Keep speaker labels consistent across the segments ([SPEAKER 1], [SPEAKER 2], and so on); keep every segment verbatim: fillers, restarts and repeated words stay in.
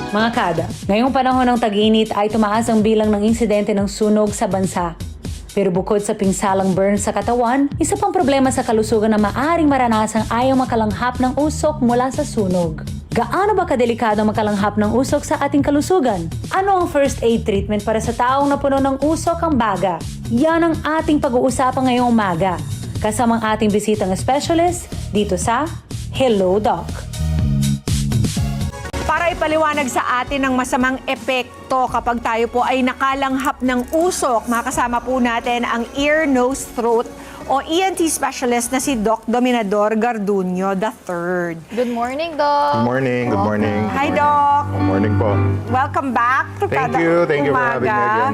[SPEAKER 1] Mga kada, ngayong panahon ng tag-init ay tumaas ang bilang ng insidente ng sunog sa bansa. Pero bukod sa pinsalang burn sa katawan, isa pang problema sa kalusugan na maaring maranasang ayaw makalanghap ng usok mula sa sunog. Gaano ba kadelikado makalanghap ng usok sa ating kalusugan? Ano ang first aid treatment para sa taong napuno ng usok ang baga? Yan ang ating pag-uusapan ngayong umaga. Kasamang ating bisitang specialist dito sa Hello Doc.
[SPEAKER 2] Para ipaliwanag sa atin ang masamang epekto kapag tayo po ay nakalanghap ng usok, makasama po natin ang ear, nose, throat o E N T specialist na si Doc Dominador Garduño the third.
[SPEAKER 3] Good morning, Doc.
[SPEAKER 4] Good morning, good morning. good
[SPEAKER 2] Hi,
[SPEAKER 4] morning.
[SPEAKER 2] Doc.
[SPEAKER 4] Good morning po.
[SPEAKER 2] Welcome back to
[SPEAKER 4] Thank
[SPEAKER 2] Kada
[SPEAKER 4] you, thank you for having me
[SPEAKER 2] Umaga.
[SPEAKER 4] again.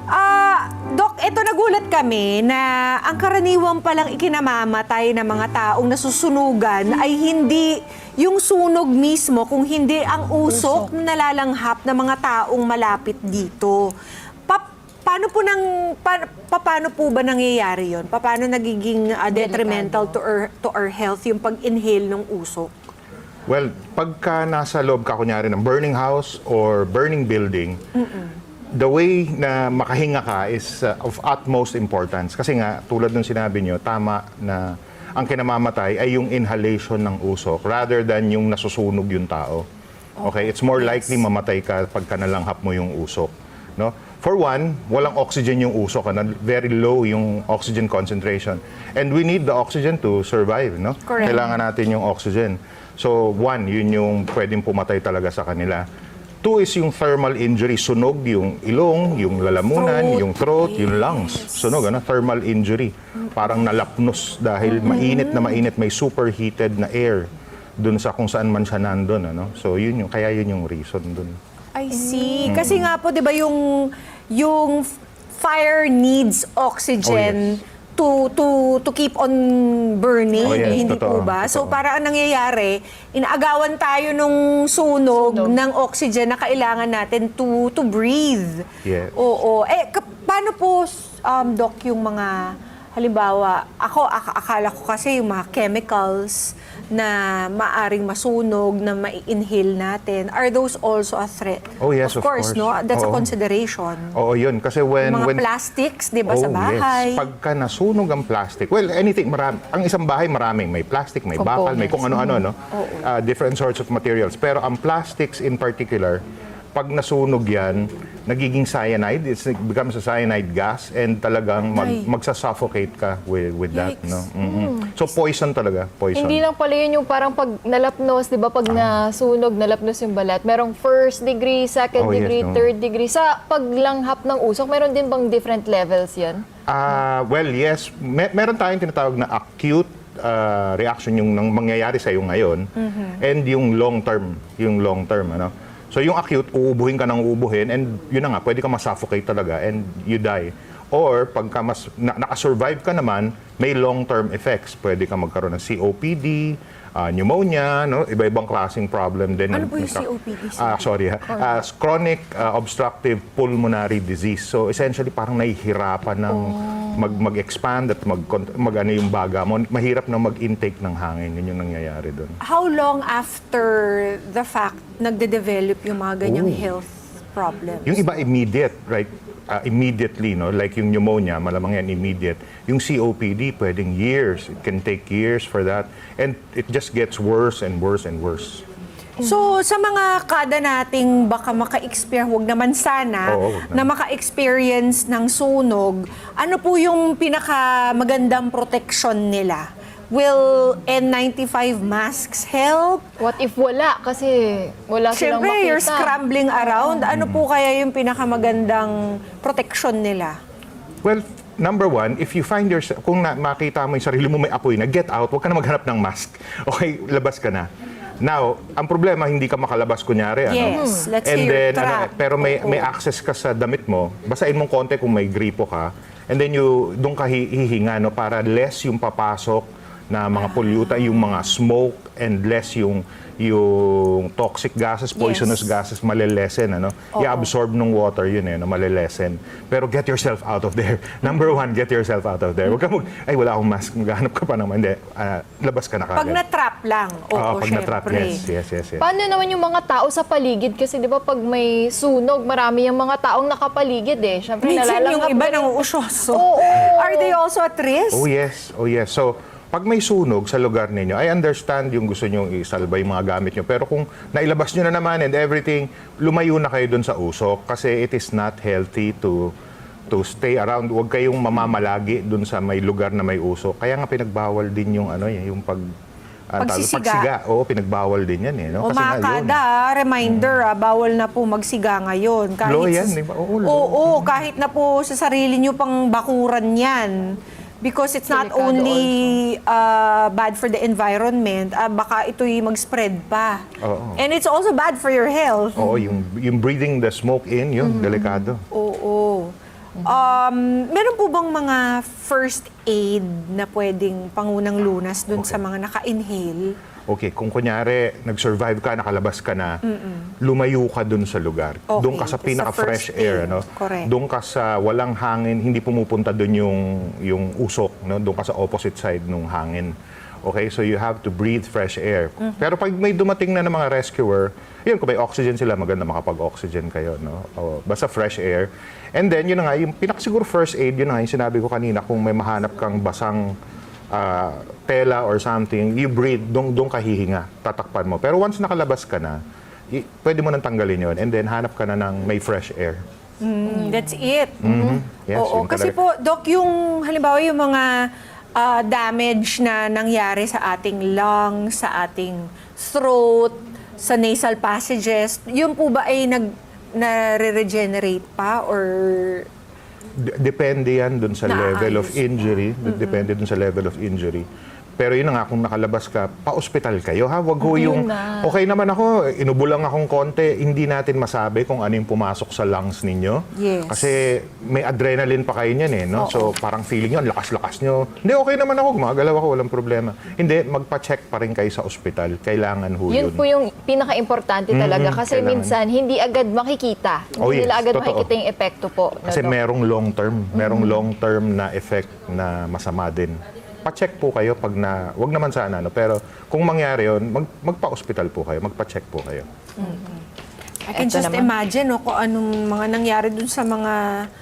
[SPEAKER 2] Ah, Doc, ito nagulat kami na ang karaniwang palang ikinamamatay ng mga taong nasusunugan ay hindi yung sunog mismo, kung hindi ang usok na nalalanghap ng mga taong malapit dito. Pa paano po nang pa paano po ba nangyayari 'yon? Paano nagiging uh, detrimental to our to our health yung pag-inhale ng usok?
[SPEAKER 4] Well, pagka nasa loob ka kunyari ng burning house or burning building, the way na makahinga ka is uh, of utmost importance. Kasi nga, tulad ng sinabi nyo, tama na ang kinamamatay ay yung inhalation ng usok rather than yung nasusunog yung tao. Okay? It's more likely mamatay ka pagka nalanghap mo yung usok. No? For one, walang oxygen yung usok. Ano? Very low yung oxygen concentration. And we need the oxygen to survive. No?
[SPEAKER 2] Correct.
[SPEAKER 4] Kailangan natin yung oxygen. So, one, yun yung pwedeng pumatay talaga sa kanila. Two is yung thermal injury, sunog yung ilong, yung lalamunan,
[SPEAKER 2] Throat.
[SPEAKER 4] yung throat, yung lungs. Sunog, ano? Thermal injury. Parang nalapnos dahil mainit na mainit, may superheated na air dun sa kung saan man siya nandun. Ano? So yun yung, kaya yun yung reason dun.
[SPEAKER 2] I see. Kasi nga po, di ba, yung, yung fire needs oxygen to to to keep on burning,
[SPEAKER 4] Oh, yes,
[SPEAKER 2] hindi po
[SPEAKER 4] totoo,
[SPEAKER 2] ba? So
[SPEAKER 4] totoo.
[SPEAKER 2] para ang nangyayari, inaagawan tayo nung sunog,
[SPEAKER 3] Sunog.
[SPEAKER 2] ng oxygen na kailangan natin to to breathe.
[SPEAKER 4] Yes.
[SPEAKER 2] Oo. Eh, ka- paano po, um, Doc, yung mga, halimbawa, ako, ak- akala ko kasi yung mga chemicals na maaring masunog, na ma-inhale natin, are those also a threat?
[SPEAKER 4] Oh, yes, of
[SPEAKER 2] course,
[SPEAKER 4] course.
[SPEAKER 2] no? That's a
[SPEAKER 4] Oo.
[SPEAKER 2] consideration.
[SPEAKER 4] Oo, yun. Kasi when...
[SPEAKER 2] Mga
[SPEAKER 4] when
[SPEAKER 2] plastics, di ba,
[SPEAKER 4] Oh,
[SPEAKER 2] sa bahay?
[SPEAKER 4] Yes. Pagka nasunog ang plastic, well, anything, marami. Ang isang bahay, maraming. May plastic, may bakal, may kung ano-ano, no? Uh, different sorts of materials. Pero ang plastics in particular, pag nasunog yan, nagiging cyanide, it's, it becomes a cyanide gas, and talagang mag,
[SPEAKER 2] Ay.
[SPEAKER 4] magsa-suffocate ka with, with that,
[SPEAKER 2] Yikes.
[SPEAKER 4] no? Mhm. So, poison talaga, poison.
[SPEAKER 3] Hindi lang pala yun yung parang pag nalapnos, di ba? Pag nasunog, nalapnos yung balat. Merong first degree, second
[SPEAKER 4] Oh, yes,
[SPEAKER 3] degree,
[SPEAKER 4] no.
[SPEAKER 3] third degree. Sa paglanghap ng usok, meron din bang different levels yan?
[SPEAKER 4] Ah, well, yes. Me- meron tayong tinatawag na acute ah, reaction yung nang mangyayari sa iyo ngayon, and yung long term, yung long term, ano. So yung acute, uubuhin ka ng uubuhin, and yun na nga, pwede ka ma-suffocate talaga and you die. Or pagka mas na, nakasurvive ka naman, may long-term effects. Pwede ka magkaroon ng C O P D, ah, pneumonia, no? Iba-ibang klaseng problem din.
[SPEAKER 2] Ano po yung
[SPEAKER 4] Nagka-
[SPEAKER 2] C O P D?
[SPEAKER 4] Ah, sorry ha. Ah, chronic ah, obstructive pulmonary disease. So essentially parang nahihirapan ng mag mag-expand at mag, mag ano yung baga mo. Mahirap na mag-intake ng hangin. Yun yung nangyayari doon.
[SPEAKER 2] How long after the fact nagde-develop yung mga ganyang
[SPEAKER 4] Oh.
[SPEAKER 2] health problems?
[SPEAKER 4] Yung iba immediate, right? Ah, immediately, no? Like yung pneumonia, malamang yan immediate. Yung C O P D, pwedeng years. It can take years for that. And it just gets worse and worse and worse.
[SPEAKER 2] So, sa mga kada nating baka maka-experience, huwag naman sana,
[SPEAKER 4] Oo, wag
[SPEAKER 2] na
[SPEAKER 4] naman.
[SPEAKER 2] maka-experience ng sunog, ano po yung pinakamagandang protection nila? Will N ninety-five masks help?
[SPEAKER 3] What if wala? Kasi wala silang
[SPEAKER 2] Siyempre,
[SPEAKER 3] makita.
[SPEAKER 2] you're scrambling around. Ano po kaya yung pinakamagandang protection nila?
[SPEAKER 4] Well, number one, if you find yourself, kung na, makita mo yung sarili mo may apoy na, get out, huwag ka na maghanap ng mask. Okay, labas ka na. Now, ang problema, hindi ka makalabas kunyari. Ano?
[SPEAKER 2] Yes, let's
[SPEAKER 4] And
[SPEAKER 2] hear your
[SPEAKER 4] then,
[SPEAKER 2] trap.
[SPEAKER 4] ano, pero may,
[SPEAKER 2] Oo.
[SPEAKER 4] may access ka sa damit mo, basahin mong konti kung may gripo ka, and then you, doon ka hi- hihinga, no, para less yung papasok na mga pollutant, yung mga smoke and less yung yung toxic gases, poisonous
[SPEAKER 2] Yes.
[SPEAKER 4] gases, malilesen, ano? I-absorb ng water yun eh, no? Malilesen. Pero get yourself out of there. Number one, get yourself out of there. Huwag ka mag, ay wala akong mask, maghanap ka pa naman. Hindi, ah, labas ka na kagad.
[SPEAKER 2] Pag na-trap lang. Oo,
[SPEAKER 4] Oo, pag na-trap,
[SPEAKER 2] syempre.
[SPEAKER 4] yes, yes, yes, yes.
[SPEAKER 3] Paano naman yung mga tao sa paligid? Kasi di ba pag may sunog, marami yung mga taong nakapaligid eh. Siyempre,
[SPEAKER 2] Minsan yung
[SPEAKER 3] nalalanghap
[SPEAKER 2] iba
[SPEAKER 3] din-
[SPEAKER 2] nang uusyoso.
[SPEAKER 3] Oo.
[SPEAKER 2] Are they also at risk?
[SPEAKER 4] Oh yes, oh yes. So, pag may sunog sa lugar ninyo, I understand yung gusto nyo isalba yung mga gamit nyo. Pero kung nailabas nyo na naman and everything, lumayo na kayo dun sa usok kasi it is not healthy to to stay around. Huwag kayong mamamalagi dun sa may lugar na may usok. Kaya nga pinagbawal din yung ano eh, yung pag ah, tawag-
[SPEAKER 2] Pagsisiga.
[SPEAKER 4] pagsiga. Oo, pinagbawal din yan eh. No?
[SPEAKER 2] O mga
[SPEAKER 4] nga yun.
[SPEAKER 2] kada, ah, reminder, ah, bawal na po magsiga ngayon. Kahit
[SPEAKER 4] Law yan,
[SPEAKER 2] sa-
[SPEAKER 4] di ba? Oo, law.
[SPEAKER 2] Oo, kahit na po sa sarili nyo pang bakuran yan. Because it's not
[SPEAKER 3] Delikado
[SPEAKER 2] only uh, bad for the environment, ah, baka ito'y mag-spread pa.
[SPEAKER 4] Oo.
[SPEAKER 2] And it's also bad for your health.
[SPEAKER 4] Oo, yung, yung breathing the smoke in, yun, delikado.
[SPEAKER 2] Oo. Um, meron po bang mga first aid na pwedeng pangunang lunas dun sa mga naka-inhale?
[SPEAKER 4] Okay, kung kunyari, nag-survive ka, nakalabas ka na, lumayo ka dun sa lugar.
[SPEAKER 2] Okay,
[SPEAKER 4] Doon ka sa
[SPEAKER 2] sa
[SPEAKER 4] pinaka-fresh
[SPEAKER 2] first
[SPEAKER 4] air.
[SPEAKER 2] aid.
[SPEAKER 4] Ano?
[SPEAKER 2] Correct.
[SPEAKER 4] Doon ka sa walang hangin, hindi pumupunta dun yung, yung usok. No? Doon ka sa opposite side ng hangin. Okay, so you have to breathe fresh air. Pero pag may dumating na ng mga rescuer, yun, kung may oxygen sila, maganda makapag-oxygen kayo. No? O, basta fresh air. And then, yun na nga, yung pinakasiguro first aid, yun na nga, yung sinabi ko kanina, kung may mahanap kang basang ah, tela or something, you breathe, doon doon ka hihinga, tatakpan mo. Pero once nakalabas ka na, i- pwede mo nang tanggalin yon and then hanap ka na ng may fresh air.
[SPEAKER 2] Mm, that's it.
[SPEAKER 4] Yes,
[SPEAKER 2] Oo,
[SPEAKER 4] yun
[SPEAKER 2] kasi
[SPEAKER 4] talaga.
[SPEAKER 2] po, Doc, yung halimbawa yung mga ah, damage na nangyari sa ating lungs, sa ating throat, sa nasal passages, yun po ba ay nag na-regenerate pa or
[SPEAKER 4] D- depende yan dun sa
[SPEAKER 2] Naayos.
[SPEAKER 4] level of injury. Depende dun sa level of injury. Pero yun na nga, kung nakalabas ka, pa-ospital kayo, ha? Wag ho yung,
[SPEAKER 3] na.
[SPEAKER 4] okay naman ako, inubo lang akong konti, hindi natin masabi kung ano yung pumasok sa lungs ninyo.
[SPEAKER 2] Yes.
[SPEAKER 4] Kasi may adrenaline pa kayo niyan eh, no? So parang feeling nyo, ang lakas-lakas nyo. Hindi, okay naman ako, gumagalaw ako, walang problema. Hindi, magpa-check pa rin kayo sa ospital. Kailangan ho yun.
[SPEAKER 3] Yun po yung pinaka-importante talaga
[SPEAKER 4] Mhm,
[SPEAKER 3] kasi
[SPEAKER 4] kailangan.
[SPEAKER 3] minsan hindi agad makikita. Hindi
[SPEAKER 4] Oh, yes,
[SPEAKER 3] nila agad
[SPEAKER 4] totoo.
[SPEAKER 3] makikita yung epekto po. no,
[SPEAKER 4] Kasi
[SPEAKER 3] Doc?
[SPEAKER 4] merong long term, merong long term na effect na masama din. Pa-check po kayo pag na, wag naman sana, no? Pero kung mangyari yun, mag, magpa-hospital po kayo, magpa-check po kayo.
[SPEAKER 2] I can
[SPEAKER 3] Eto
[SPEAKER 2] just
[SPEAKER 3] naman.
[SPEAKER 2] imagine no, kung anong mga nangyari dun sa mga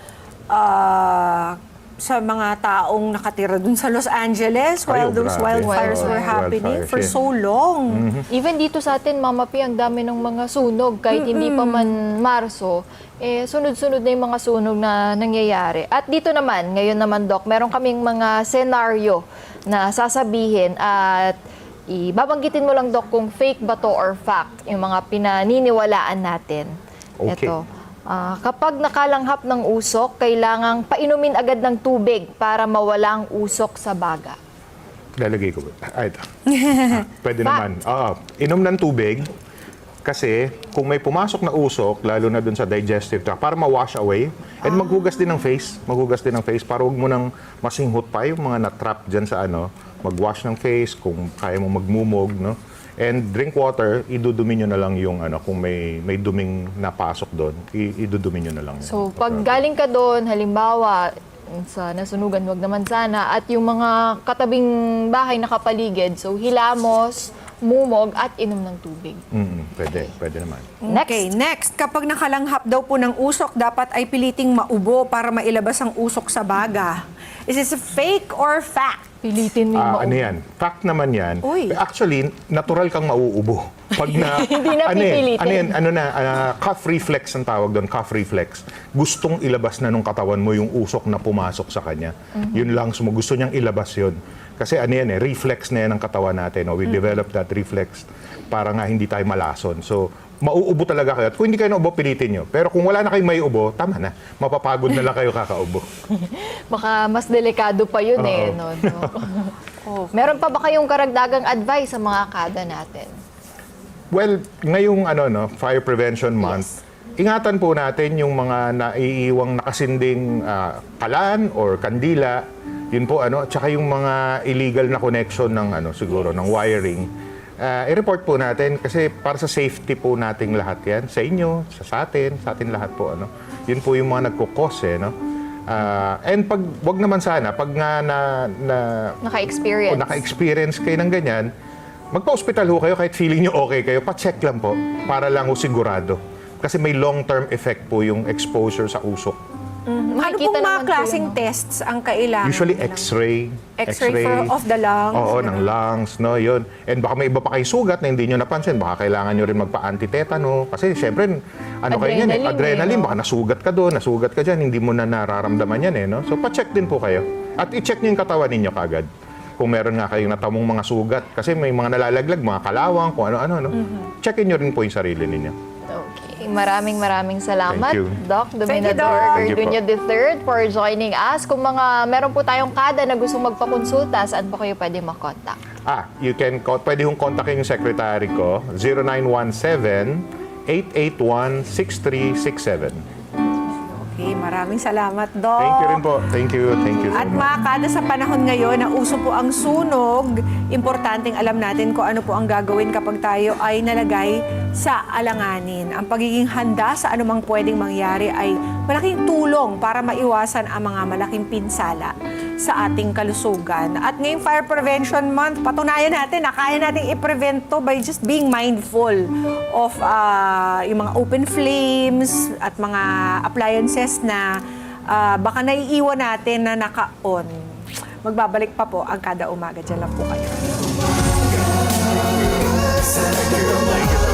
[SPEAKER 2] ah, sa mga taong nakatira dun sa Los Angeles while
[SPEAKER 4] Ay, oh,
[SPEAKER 2] those
[SPEAKER 4] grabe.
[SPEAKER 2] wildfires
[SPEAKER 3] Oo,
[SPEAKER 2] were happening
[SPEAKER 4] wildfires,
[SPEAKER 2] for
[SPEAKER 4] yeah.
[SPEAKER 2] so long.
[SPEAKER 3] Even dito sa atin, Mama P, ang dami ng mga sunog. Kahit hindi pa man Marso, eh, sunod-sunod na yung mga sunog na nangyayari. At dito naman, ngayon naman, Doc, meron kaming mga senaryo na sasabihin at ibabanggitin mo lang, Doc, kung fake ba to or fact, yung mga pinaniniwalaan natin.
[SPEAKER 4] Okay.
[SPEAKER 3] Ito. Ah, kapag nakalanghap ng usok, kailangang painumin agad ng tubig para mawala ang usok sa baga.
[SPEAKER 4] Lalagay ko. Ay, ito. Ah, pwede naman. Oo. Inom ng tubig kasi kung may pumasok na usok, lalo na dun sa digestive tract, para ma-wash away. And maghugas din ng face. Maghugas din ng face para huwag mo nang masinghot pa yung mga na-trap dyan sa ano. Mag-wash ng face kung kaya mo magmumog, no? And drink water, idudumi nyo na lang yung ano, kung may may duming napasok doon, i- idudumi nyo na lang. yun.
[SPEAKER 3] So, pag galing ka doon, halimbawa, sa nasunugan, wag naman sana, at yung mga katabing bahay nakapaligid, so hilamos, mumog, at inom ng tubig.
[SPEAKER 4] Mm, pwede, pwede naman.
[SPEAKER 2] Okay, next. Kapag nakalanghap daw po ng usok, dapat ay piliting maubo para mailabas ang usok sa baga. Is this a fake or fact?
[SPEAKER 3] Pilitin mo yung
[SPEAKER 4] Ah,
[SPEAKER 3] maubo.
[SPEAKER 4] ano yan? Fact naman yan.
[SPEAKER 2] Uy.
[SPEAKER 4] Actually, natural kang mauubo. Pag na,
[SPEAKER 3] Hindi na
[SPEAKER 4] ano yan?
[SPEAKER 3] pipilitin.
[SPEAKER 4] Ano yan? Ano na, ah, cuff reflex ang tawag doon, cuff reflex. Gustong ilabas na nung katawan mo yung usok na pumasok sa kanya. Yun lang, sumo, gusto niyang ilabas yun. Kasi ano yan eh, reflex na yan ang katawan natin. No? We develop that reflex para nga hindi tayo malason. So, mauubo talaga kayo. At kung hindi kayo naubo, pilitin nyo. Pero kung wala na kayong may ubo, tama na. Mapapagod na lang kayo kakaubo.
[SPEAKER 3] Baka mas delikado pa yun eh.
[SPEAKER 4] Oo.
[SPEAKER 3] No, no? Meron pa ba kayong karagdagang advice sa mga kada natin?
[SPEAKER 4] Well, ngayong ano no, Fire Prevention Month, ingatan po natin yung mga naiiwang nakasinding ah, kalan or kandila Yun po ano, tsaka yung mga illegal na connection ng ano siguro ng wiring. Ah, i-report po natin kasi para sa safety po nating lahat 'yan, sa inyo, sa, sa atin, sa atin lahat po ano. Yun po yung mga nagko-cause eh, no. Ah, and pag wag naman sana pag nga na, na
[SPEAKER 3] Naka-experience.
[SPEAKER 4] o naka-experience kayo ng ganyan, magpa-hospital ho kayo kahit feeling nyo okay kayo, pa-check lang po para lang ho sigurado. Kasi may long-term effect po yung exposure sa usok.
[SPEAKER 2] Ano
[SPEAKER 3] Makikita
[SPEAKER 2] pong mga
[SPEAKER 3] naman po
[SPEAKER 2] klaseng
[SPEAKER 3] yun, no?
[SPEAKER 2] tests ang kailangan?
[SPEAKER 4] Usually
[SPEAKER 2] nilang-
[SPEAKER 4] x-ray.
[SPEAKER 2] X-ray for- of the lungs,
[SPEAKER 4] Oo,
[SPEAKER 2] ganun.
[SPEAKER 4] ng lungs, no, yun. And baka may iba pa kayong sugat na hindi nyo napansin. Baka kailangan nyo rin magpa-antitetano. Kasi syempre, ano kayo yan eh,
[SPEAKER 3] Adrenaline
[SPEAKER 4] adrenaline.
[SPEAKER 3] eh, no?
[SPEAKER 4] Baka nasugat ka doon, nasugat ka dyan, hindi mo na nararamdaman yan eh, no? So, pa-check din po kayo. At i-check nyo yung katawan ninyo kagad. Kung meron nga kayong natamong mga sugat. Kasi may mga nalalaglag, mga kalawang, kung ano-ano, no?
[SPEAKER 2] Mm-hmm.
[SPEAKER 4] Checkin nyo rin po yung sarili ninyo.
[SPEAKER 3] Okay. Maraming maraming salamat,
[SPEAKER 4] Thank you.
[SPEAKER 3] Doc
[SPEAKER 2] Thank you,
[SPEAKER 3] Dominador
[SPEAKER 2] Doc.
[SPEAKER 4] Thank you po.
[SPEAKER 3] Garduño the third for joining us. Kung mga meron po tayong kada na gustong magpakonsulta, saan po kayo pwede makontak?
[SPEAKER 4] Ah, you can, co- pwede hong kontakin yung secretary ko, zero nine one seven, eight eight one, six three six seven.
[SPEAKER 2] Okay, maraming salamat, Doc.
[SPEAKER 4] Thank you rin po. Thank you. Thank you so
[SPEAKER 2] At
[SPEAKER 4] much.
[SPEAKER 2] mga kada sa panahon ngayon na uso po ang sunog, importanteng alam natin kung ano po ang gagawin kapag tayo ay nalagay sa alanganin. Ang pagiging handa sa anumang pwedeng mangyari ay malaking tulong para maiwasan ang mga malaking pinsala sa ating kalusugan. At ngayong Fire Prevention Month, patunayan natin na kaya natin i-prevent to by just being mindful of uh, yung mga open flames at mga appliances na uh, baka naiiwan natin na naka-on. Magbabalik pa po ang kada umaga. Diyan lang po kayo.
[SPEAKER 4] Thank you.